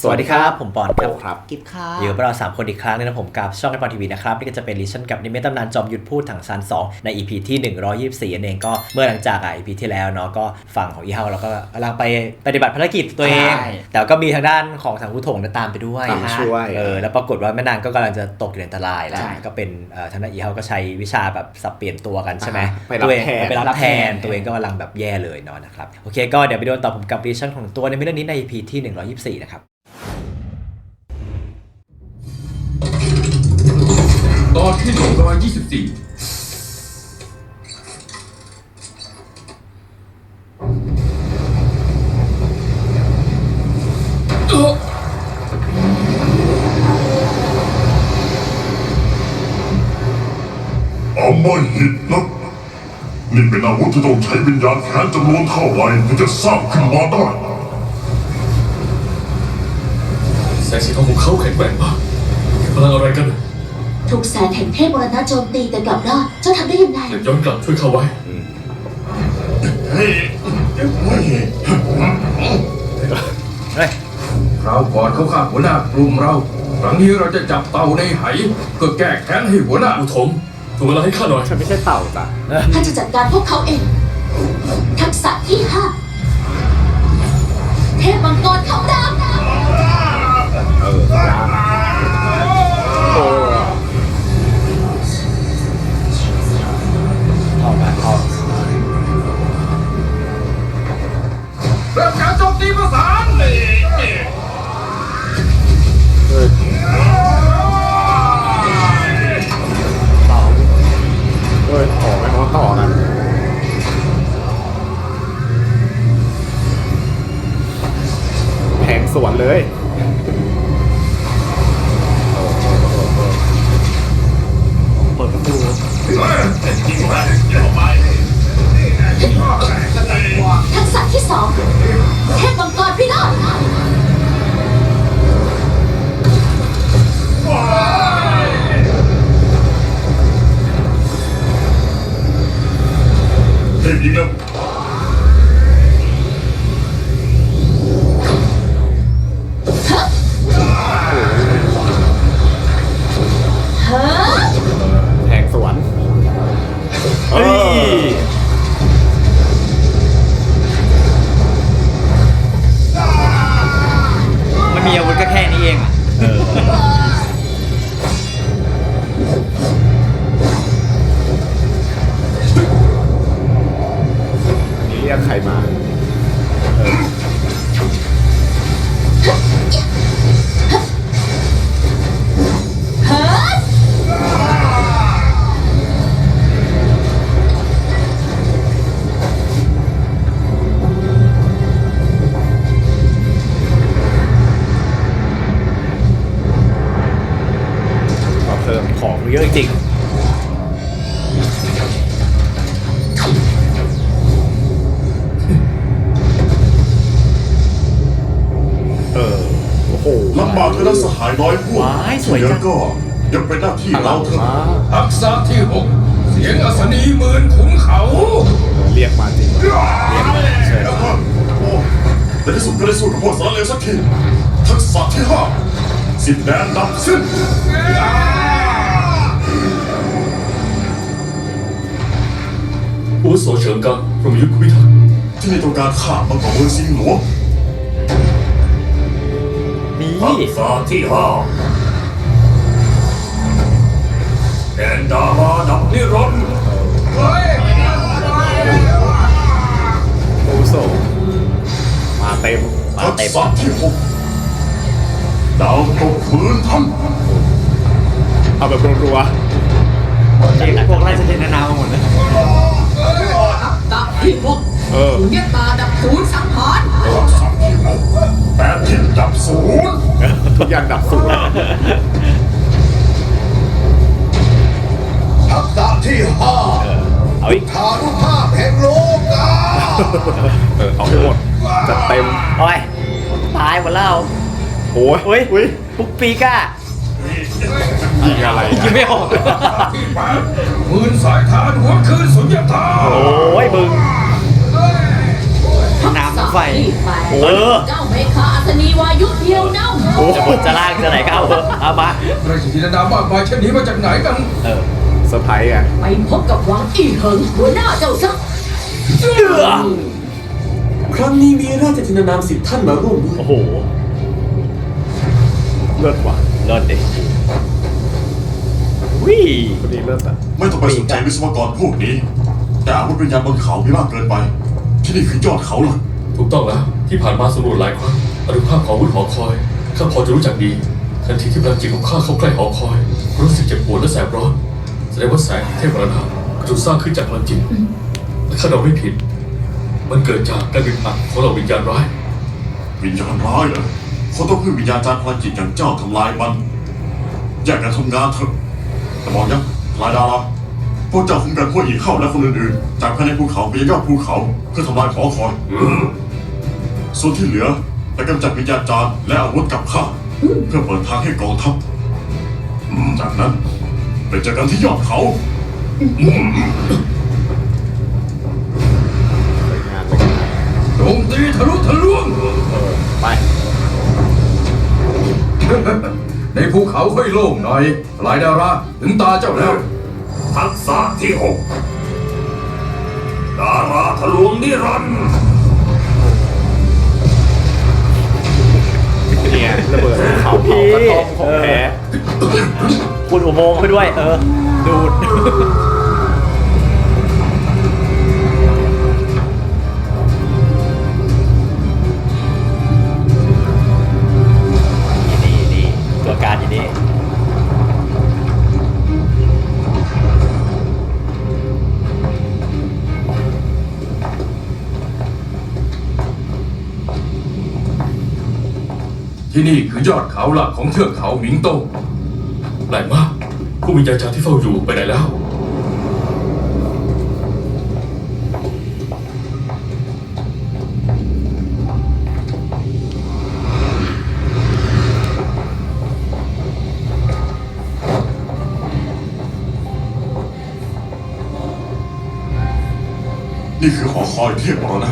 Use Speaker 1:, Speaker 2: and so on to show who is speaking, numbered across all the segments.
Speaker 1: สวัสดีครับผมปอนครับ
Speaker 2: กิฟค่ะ
Speaker 1: อยู่กับเรา3คนอีกครั้งนึงนะผมกับช่องไอปอนทีวีนะครับนี่ก็จะเป็นลิชั่นกับนิเมตตำนานจอมยุทธพูดถังซาน2ใน EP ที่124นั่นเองก็เมื่อหลังจากEP ที่แล้วเนาะก็ฝั่งของอีเฮาเราก็กำลังไปปฏิบัติภารกิจตัวเองแต่ก็มีทางด้านของสังคุถงตามไปด้วย
Speaker 2: ช่วย
Speaker 1: แล้วปรากฏว่าแม่นางก็กำลังจะตกอยู่ในอันตรายแล้วก็เป็นทางด้านอีเฮาก็ใช้วิชาแบบสับเปลี่ยนตัวกันใช่ไหมตัวเองไปรับแทนตัวเองก็กำลังแบบแย่เลยเนาะนะครับโอเคก็เดี๋ยวไปดูต่อผมกับลิชั่นของตัวในเรื่องนี้ใน EP ที่124นะครับ
Speaker 3: ตอนที่124
Speaker 4: เอาไม่หิดนะนี่เป็นอาวุธที่ต้องใช้วิญญาณแค้นจำนวนเท่าไหร่ถึงจะสร้างขึ้นมาได้
Speaker 3: แสงสีทองของเขาแข็งแกร่งมากพลังอะไรกัน
Speaker 5: ถูกแสงแห่งเทพมรณะโจมตีแต่กลับรอดเจ้าทำได้ยังไง
Speaker 3: อยากย้อนกลับช่วยเขาไว้
Speaker 4: เฮ้ย
Speaker 6: คราวก่อนเขาฆ่าหัวหน้ากลุ่มเรา ครั้งนี้เราจะจับเต่าในไหก็แก้แค้นให้หัวหน้า
Speaker 3: อุทมถูกเวลาให้ข้าหน่อย
Speaker 2: ฉันไม่ใช่เต่าจ้ะ
Speaker 5: ข้าจะจัดการพวกเขาเอง ทักษะที่5เทพมังกรคำราม
Speaker 2: โอ้เข้ามาเข้า
Speaker 6: เริ่มการโจมตีประสาน
Speaker 2: เต่าต่อไม่เขาต่อกันแทงสวนเลย
Speaker 1: เปิดประตู
Speaker 5: ทักษะที่2เทพมังกรพิโรธ
Speaker 4: เฮ้ยยิงแล้ว
Speaker 2: แทงสวนเฮ้ย
Speaker 1: มันมีอาวุธก็แค่นี้เองอ่ะ
Speaker 2: นี่เรียกใครมาเพิ่มของเยอะจริงโอ้โห
Speaker 4: ลำบากคือนักสหายน้อยพวก
Speaker 1: ว้ายสวยจัง
Speaker 4: เดี๋ก็ยังเป็นหน้าที่เราเถอะ
Speaker 6: ทักษะที่6เสียงอัศนีหมื่นขุนเขา
Speaker 2: เรียกมาจริงเรียกมาเชิญ
Speaker 4: แล้วก็โอ้ในที่สุดก็ได้สู้กับพวกสารเลวสักทีทักษะที่5สิ้นแดนดับสิ้น
Speaker 3: อาวุโสเฉิงกังพรหมยุทธพิทักษ์
Speaker 4: ที่นี่ต้องการฆ่ามังกรเมืองซิงหลวง
Speaker 1: นี่
Speaker 4: ทักษะที่5แดนดาราดับนิรันดร์
Speaker 2: โอ้โหมาเต็ม
Speaker 4: ทักษะที่6ดาวตกพื้นท่าน
Speaker 2: เอาแบบรัว
Speaker 1: เรียกพวกไล่เสด็จนามาหมดเลย
Speaker 7: ดับที่6
Speaker 2: ๆ
Speaker 7: สุญญตาดับศูนย์สังหาร
Speaker 4: ทักษะที่6แปดทิศดับศูนย์
Speaker 2: ทุกอย่างดับสูญ
Speaker 8: ทักษะที่5
Speaker 1: เอาอีก
Speaker 8: ทานุภาพแห่งโลกา
Speaker 2: เอาให้หมดจัดเต็ม
Speaker 1: โอ้ยตายหมดแล้ว
Speaker 2: โอ้ย
Speaker 1: เฮ้ย
Speaker 2: อุ้ย
Speaker 1: ปุ๊กปีก้า
Speaker 2: ยิงอะไร
Speaker 1: ยิงไม่ออก
Speaker 6: ที่8หมื่นสายทานหัวคืนสุญญตา
Speaker 1: โอ้ยบึง น้ำไฟ
Speaker 5: ที่แปด
Speaker 1: โอ้
Speaker 5: เจ้าเมฆาอัศนีวายุเดียวเน่า
Speaker 1: จะบนจะล่างจะไหนก็เอาเถอะเอามา
Speaker 6: ราชธินดามากมายเช่นนี้มาจากไหนกัน
Speaker 1: เออ
Speaker 2: เซอร์ไพรส์ไง
Speaker 7: ไปพบกับหวังอี้เหิงหัวหน้าเจ้าซะ
Speaker 3: ครั้งนี้มีราชธินานาม10 ท่านมาร่วมด้วย
Speaker 1: โอ้โห
Speaker 2: เลิศว่ะ
Speaker 1: เลิศดิวิ
Speaker 2: คนนี้เลิศอ่ะ
Speaker 4: ไม่ต้องไปสนใจวิศวกรพวกนี้ แต่อาวุธวิญญาณบนเขามีมากเกินไป ที่นี่คือยอดเขาหลัก
Speaker 3: ถูกต้องแล้วที่ผ่านมาสำรวจหลายครั้งอนุภาพของอาวุธหอคอยข้าพอจะรู้จักดีทันทีที่พลังจิตของข้าเข้าใกล้หอคอยรู้สึกเจ็บปวดและแสบร้อนแสดงว่าแสงแห่งเทพมรณะถูกสร้างขึ้นจากพลังจิตและข้าเดาไม่ผิด มันเกิดจากการบินผ่านของเหล่าวิญญาณร้าย
Speaker 4: วิญญาณร้ายเหรอเขาต้องพึ่งวิญญาณจารย์พลังจิตอย่างเจ้าทำลายมันแยกกันทำงานเถอะแต่บอกยังลายดาราพวกเจ้าคุมกันพวกอีกเข้าและคนอื่นๆจากภายในภูเขาไปยังยอดภูเขาเพื่อทำลายหอคอยส่วนที่เหลือไปกำจัดวิญญาณจารย์และอาวุธกับข้าเพื่อเปิดทางให้กองทัพจากนั้นไปเจอกันที่ยอดเขา
Speaker 2: ไปงานไปงาน
Speaker 6: โจมตีทะลุทะลวง
Speaker 2: ไป
Speaker 6: ในภูเขาค่อยโล่งหน่อยหลายดาราถึงตาเจ้าแล้ว
Speaker 4: ทักษะที่6ดาราทะลวงนิรันดร์
Speaker 2: เนี่ยระเบิดภูเขาเผากระท่อมของแท้
Speaker 1: คุณอุโมงค์ไปด้วย เออ ดูด นี่ตัวการอยู่นี่
Speaker 6: ที่นี่คือยอดเขาหลักของเทือกเขาหมิงโต้
Speaker 3: แปลกมากผู้วิญญาณจารย์ที่เฝ้าอยู่ไปไหนแล้ว
Speaker 4: นี่คือหอคอยเทพมรณะ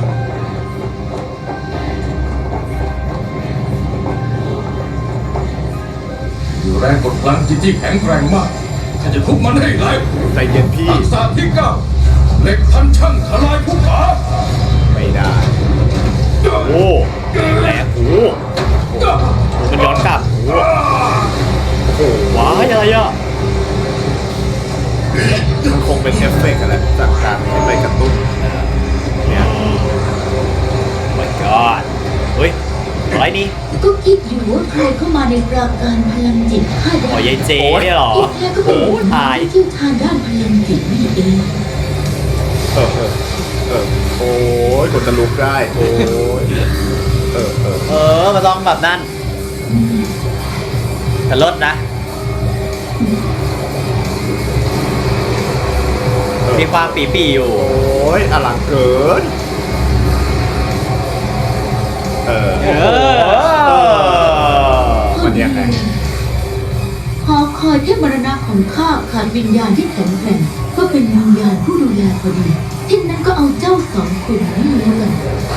Speaker 6: อยู่แรงกดพลังจิตที่แข็งแกร่งมากข้าจะทุบมันให้ไหล
Speaker 2: ใจเย็นพี่
Speaker 6: ทักษะที่9เหล็กพันช่างทลายภูเขา
Speaker 2: ไม่ได้
Speaker 1: โอ้แหลกโอ้มันย้อนกลับโอ้โหว้ายอะไรอ่ะ
Speaker 2: มันคงเป็นเอฟเฟกต์อะไรจากการที่ไปกระตุ้นเนี่ย
Speaker 1: my god เฮ้ยอะไรนี่
Speaker 5: ก็คิดอยู่ว่าใครเข้ามาในปราการพลังจิตข้าได้
Speaker 1: อ๋อยายเจเนี่ยเหรอ
Speaker 5: ที่แท้ก็เป็นคน
Speaker 1: ตาย
Speaker 5: ที่เชี่ยวชาญด้านพลังจิตนี่เอง
Speaker 2: โอ้ยกดจะลุกได้ โอ้ย
Speaker 1: มันต้องแบบนั้นแต่ลดนะ มีความปีอยู่
Speaker 2: โอ้ยอลังเกิน มันยังไง
Speaker 5: หอคอยเทพมรณะของข้าขาดวิญญาณที่แข็งแกร่งก็เป็นวิญญาณผู้ดูแลพอดีที่นั้นก็เอาเจ้า2 คนนี้แล้วกัน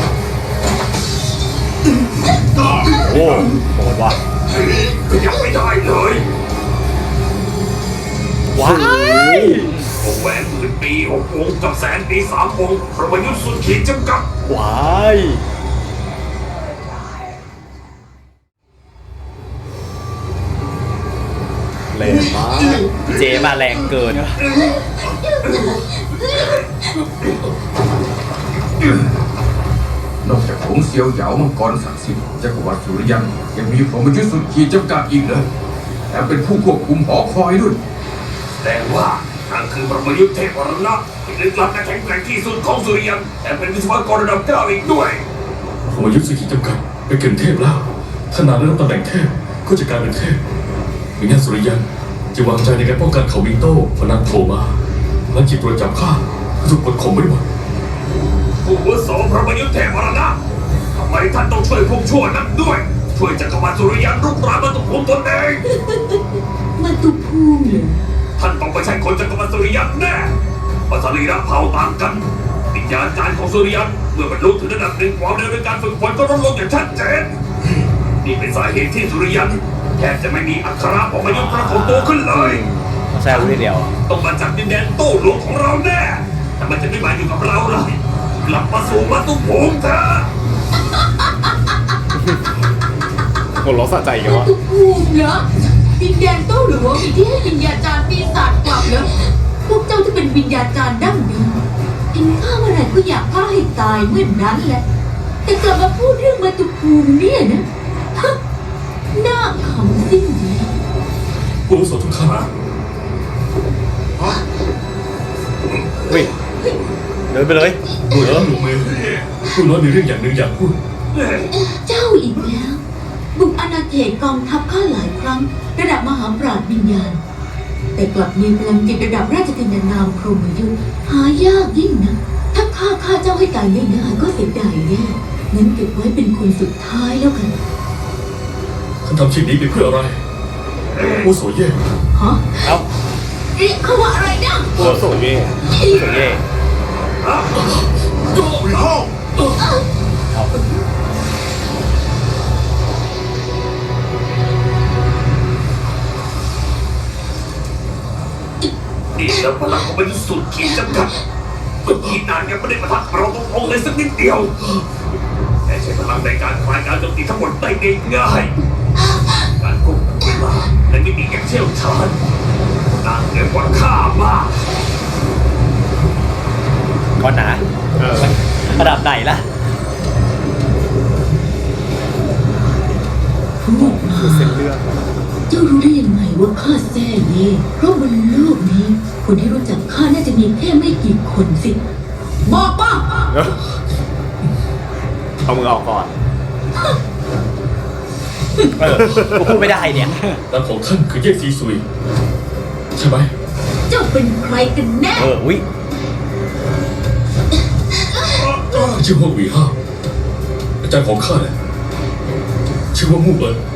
Speaker 1: โอ้โหดว่ะ
Speaker 4: ยังไม่ได้เลย
Speaker 1: ว้าย
Speaker 4: วงแหวนหมื่นปี6 วงกับแสนปี3 วงประยุทธ์สุดขีดจำกัด
Speaker 1: ว้าย
Speaker 2: แรงมาก
Speaker 1: เจมาแรงเกิน
Speaker 6: นอกจากผงเซียวเหยามังกรศักดิ์สิทธิ์จักรวรรดิสุริยันยังมีพรหมยุทธ์สุดขีดจำกัดอีกเลยแถมเป็นผู้ควบคุมหอคอยด้วย
Speaker 4: แต่ว่านั่นคือประยุทธ์เทพวรณะที่ลึกลับและแข็งแกร่งที่สุดของสุริยันแต่เป็นวิศวกรระดับ9อีกด้วย
Speaker 3: ผมอายุสุขีจำกัดไปเกินเทพแล้วถ้านานได้รับตำแหน่งเทพก็จะกลายเป็นเทพวิญญาณสุริยันจะวางใจในการป้องกันเขาวิงโต้พนันโผล่มาและจิตตรวจจับข้าก็ถูกกดข่มไว้หมด
Speaker 4: ผู้อาวุโสประยุทธ์เทพวรณะทำไมท่านต้องช่วยพวกชั่วนั้นด้วย ช่วยจักรวรรดิสุริยันรุกรานมาตุภูมิตนเอง
Speaker 5: มาตุภูมิเหรอ
Speaker 4: ท่านต้องไปใช้คนจักรวรรดิสุริยันแน่ปัสรีระเผ่าต่างกันวิญญาณจารย์ของสุริยันเมื่อบรรลุถึงระดับ1 ความเร็วในการฝึกฝนก็ลดลงอย่างชัดเจน
Speaker 9: นี่เป็นสาเหตุที่สุริยันแทบจะไม่มีอักขระของมยุทธ์ปรากฏตัวขึ้นเลย
Speaker 1: ต้องแซวรู้ทีเดียว
Speaker 9: ต้องมาจากดินแดนโต้หลวงของเราแน่แต่มันจะไม่มาอยู่กับเราเลยกลับมาสู่มาตุภูมิเถอะ
Speaker 2: หัวเราะสะใจกันวะ
Speaker 5: ตุภูมิเหรอวิญญาณโต้หรือว่ามีที่ให้วิญญาจารย์ปีศาจกลับเหรอพวกเจ้าที่เป็นวิญญาจารย์ดั้งเดิมเห็นข้าเมื่อไหร่ก็อยากฆ่าให้ตายเมื่อนั้นแหละ แต่กลับมาพูดเรื่องมาตุภูมิเนี่ยนะฮะน่าขำสิ้นดี
Speaker 3: ผู้อาวุโสทุกท่าน
Speaker 1: อุ้ยเดินไปเลย
Speaker 3: ดูแล้วหนูมือผู้น้อยมีเรื่องอย่างหนึ่งอยากพูด
Speaker 5: เจ้าอีกแล้ว บุกอาณาเขตกองทัพข้าหลายครั้ง ระดับมหาปราชญ์วิญญาณ แต่กลับมีพลังจิตระดับราชกินนามพรหมยุทธ์หายากยิ่งนะถ้าฆ่าเจ้าให้ตายง่ายๆก็เสียดายแน่งั้นเก็บไว้เป็นคนสุดท้ายแล้วกัน
Speaker 3: ท่านทำชิ้นนี้ไปเพื่ออะไรผู้อาวุโสเย่
Speaker 5: ฮะ
Speaker 1: เอ้า
Speaker 5: เรียกเขาว่าอะไรนะ
Speaker 2: โอ้โสเย่
Speaker 1: โซเย่
Speaker 4: วิเฮา
Speaker 1: เอา
Speaker 9: นี่แล้วพลังของมยุทธ์สุดขีดจำกัดเมื่อกี้นานยังไม่ได้มาทักเราตรงๆเลยสักนิดเดียวแต่ใช้พลังในการคลายการโจมตีทั้งหมดได้ง่ายๆการควบคุมเวลาและมิติอย่างเชี่ยวชาญนางเหนือกว่าข้ามาก
Speaker 1: ก้อนหนาระดับไหนล่ะ
Speaker 5: พูดมา
Speaker 2: เส้นเลือด
Speaker 5: เจ้ารู้ได้ยังไงว่าข้าแซ่เย่เพราะบนโลกนี้ คนที่รู้จักข้าน่าจะมีแค่ไม่กี่คนสิ บอกมา
Speaker 2: เอามือออกก่อน
Speaker 1: กูพูดไม่ได้เนี่ย
Speaker 3: นามของท่านคือเย่ซีซุยใช่ไหม
Speaker 5: เจ้าเป็นใครกันแน่
Speaker 1: อุ้ย
Speaker 3: ชื่อว่าหวีห้าอาจารย์ของข้าเนี่ยชื่อว่ามู่เอิญ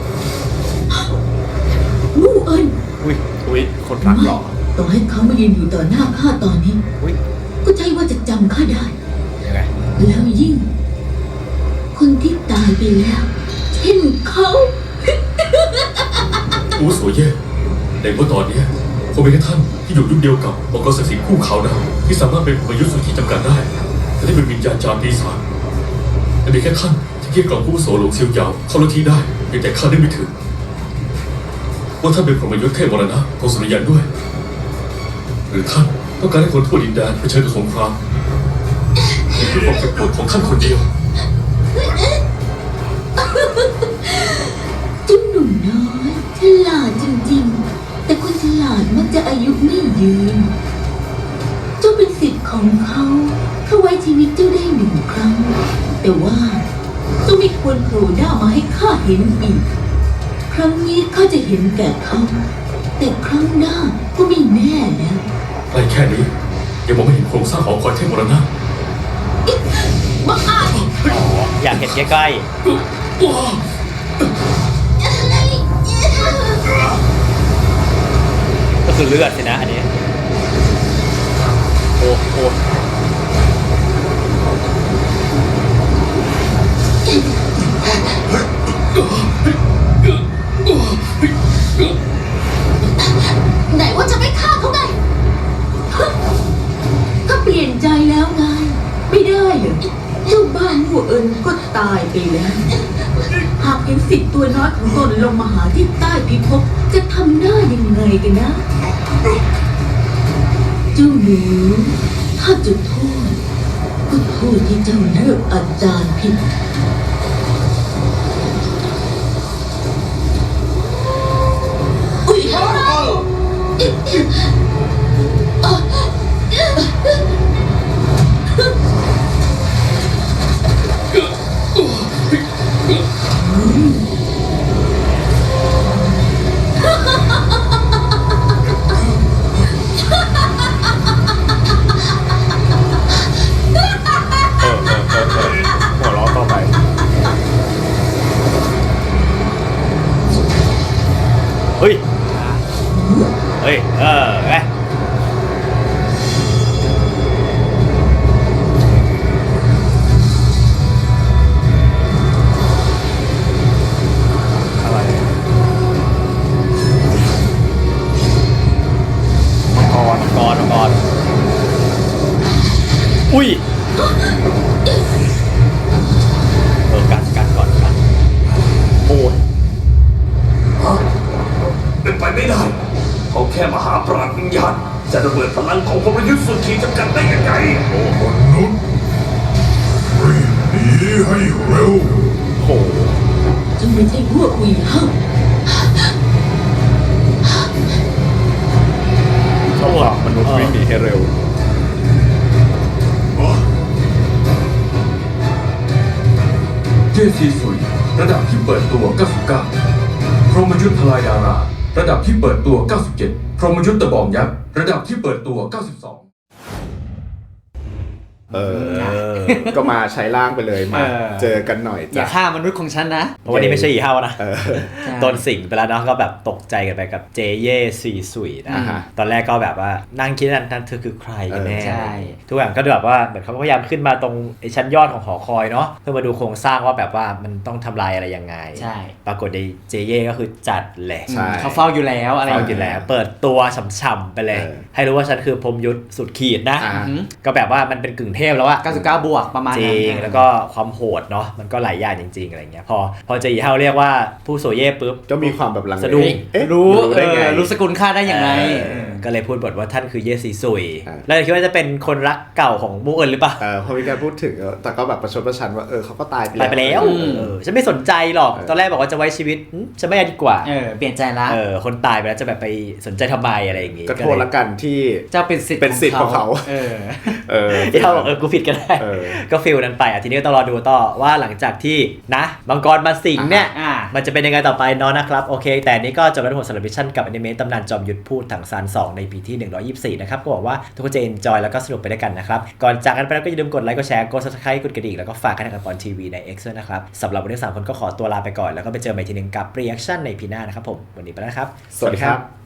Speaker 5: มู่เอิญ
Speaker 1: อุ้ย
Speaker 2: อุ้ยคนรักหรอ
Speaker 5: ต่อให้เขามายืนอยู่ต่อหน้าข้าตอนนี้
Speaker 1: อุ้ย
Speaker 5: ก็ใช่ว่าจะจำข้าได้
Speaker 1: ยังไง
Speaker 5: แล้วยิ่ง คนที่ตายไปแล้วเช่นเขา
Speaker 3: ผู้อาวุโสเย่ในเมื่อตอนเนี้ยคงเป็นแค่ท่านที่อยู่ยุคเดียวกับมังกรศักดิ์สิทธิ์คู่เขานะที่สามารถเป็นพยุทธ์สุดขีดจำกัดได้แต่ที่เป็นวิญญาณจารย์ปีศาจแต่มีแค่ท่านที่เกลี้ยกล่อมผู้อาวุโสหลงเซียวหยาวเข้าลัทธิได้เพียงแต่ข้าได้ไม่ถึงว่าท่านเป็นพรหมยุทธ์เทพมรณะของสุริยันด้วย หรือท่านต้องการให้คนทั่วดินแดนเผชิญกับสงครามนี่คือความเจ็บปวดของท่านคนเดียว
Speaker 5: จุ๊บหนุ่มน้อยฉลาดจริงๆ แต่คนฉลาดมักจะอายุไม่ยืน เจ้าเป็นสิทธิ์ของเขาเขาไว้ชีวิตเจ้าได้หนึ่งครั้ง แต่ว่าเจ้าไม่ควรโผล่หน้ามาให้ข้าเห็นอีก ครั้งนี้ข้าจะเห็นแก่เขา แต่ครั้งหน้าก็ไม่แน่แล้ว
Speaker 3: ใกล้แค่นี้ยังมองไม่เห็นโครงสร้างหอคอยเทพมรณะ
Speaker 5: บ้าอาจ
Speaker 1: อยากเห็นใกล้ๆก็คือเลือดสินะอันนี้ โอ้โห
Speaker 5: ไหนว่าจะไม่ฆ่าเขาไงฮะก็เปลี่ยนใจแล้วไง ไม่ได้เหรอเจ้าบ้านหัวเอิญก็ตายไปแล้ว หากเห็นสิทธิ์ตัวน้อยของตนลงมาหาที่ใต้พิภพจะทำได้ยังไงกันนะ เจ้าหนูถ้าจะโทษก็โทษที่เจ้าเลือกอาจารย์ผิด อุ๊ย
Speaker 2: หัวเราะต่อไป
Speaker 1: เฮ้ย เฮ้ย ไงอุ้ยกันก่อนกันโอ้ย
Speaker 9: เป็นไปไม่ได้เขาแค่มหาปราชญ์วิญญาณจะระเบิดพลังของพลยุทธ์สุดขีดจำกัดได้ยังไง
Speaker 8: มนุษย์รีบหนีให้เร็ว
Speaker 1: โห
Speaker 5: ฉันไม่ใช่พวกอีเฮา
Speaker 2: ชอบบอกมนุษย์วิ่งหนีให้เร็ว
Speaker 6: เจซีซุยระดับที่เปิดตัว 99 พรหมยุทธ์ทลายดารา ระดับที่เปิดตัว 97 พรหมยุทธ์ตะบองยักษ์ ระดับที่เปิดตัว 92
Speaker 2: ก็มาใช้ร่างไปเลยมา เจอกันหน่อย
Speaker 10: อย่า
Speaker 2: จ้ะ
Speaker 10: ฆ่ามนุษย์ของฉันนะ
Speaker 1: เพราะวันนี้ไม่ใช่อีเฮานะ
Speaker 10: ใช่
Speaker 1: โดนสิงไปแล้วเนาะก็แบบตกใจกันไปกับเจเย่ซีสุยนะ
Speaker 2: อ่าฮะ
Speaker 1: ตอนแรกก็แบบว่านั่งคิดนั่นเธอคือใครกันแน่
Speaker 10: ใช่
Speaker 1: ทุกอย่างก็แบบว่าเหมือนเขาก็พยายามขึ้นมาตรงไอ้ชั้นยอดของหอคอยเนาะเพื่อมาดูโครงสร้างว่าแบบว่ามันต้องทำลายอะไรยังไง
Speaker 10: ใช่
Speaker 1: ปรากฏในเจเย่ก็คือจัดแหละ
Speaker 2: ใช่
Speaker 10: เขาเฝ้าอยู่แล้วอะไร
Speaker 1: เอาอยู่แล้วเปิดตัวฉ่ำๆไปเลย ให้รู้ว่าฉันคือพรหมยุทธสุดขีดนะ
Speaker 2: อ่า
Speaker 1: ก็แบบว่ามันเป็นกึ่งเทพแล้วอะ
Speaker 10: 99 บวกประมาณ
Speaker 1: จ
Speaker 10: นั้
Speaker 1: ริ
Speaker 10: น
Speaker 1: งแล้วก็ความโหดเนาะมันก็หลายอย่างจริงๆอะไรเงี้ยพอเจอีเฮาเรียกว่าผู้โซเย่ปุ๊บ
Speaker 2: ก็มีความแบบลังเล
Speaker 1: สะดุ้ง
Speaker 2: เอ๊ะ
Speaker 10: รู้
Speaker 2: ได้ไง
Speaker 10: รู้สกุลค่าได้อย่างไร
Speaker 1: ก็เลยพูดบทว่าท่านคือเยซีซุย
Speaker 2: อ่า
Speaker 1: แล้วคิดว่าจะเป็นคนรักเก่าของมูเอินหรือเปล่า
Speaker 2: พอมีการพูดถึงแต่ก็แบบประชดประชันว่าเขาก็ตายไป
Speaker 1: ตายไปแล้ว ฉันไม่สนใจหรอกตอนแรกบอกว่าจะไว้ชีวิตฉันไม่เอาดีกว่า
Speaker 10: เปลี่ยนใจละ
Speaker 1: คนตายไปแล้วจะแบบไปสนใจทำไมอะไรอย่างงี้
Speaker 2: ก็โทษละกันที่
Speaker 10: เจ้าเป็นสิทธิ์
Speaker 2: เป็นสิทธิ์ของเขา
Speaker 1: เดี๋ยวบอกกูผิดก็ได้ ก็ฟิลนั้นไปทีนี้ก็ต้องรอดูต่อว่าหลังจากที่นะมังกรมาสิงเนี่ย มันจะเป็นยังไงต่อไปเนาะนะครับโอเคแต่นี้ก็จบแล้วทั้งหมดสำหรับมิชชั่นกับอนิเมะตำนานจอมยุทธพูดถังซาน2ในปีที่124นะครับก็หวังว่าทุกคนจะเอนจอยแล้วก็สนุกไปด้วยกันนะครับก่อนจากกันไปแล้วก็อย่าลืมกดไลค์กดแชร์กด Subscribe กดกระดิ่งแล้วก็ฝากกันทางปอนทีวีใน X ด้วยนะครับสำหรับวันนี้3คนก็ขอตัวลาไปก่อนแล้วก็ไปเจอใหม่ทีนึงกับ Reaction ในพีหน้านะครับผมวันนี้ไปแล้วครับ
Speaker 2: สวัสดีครับ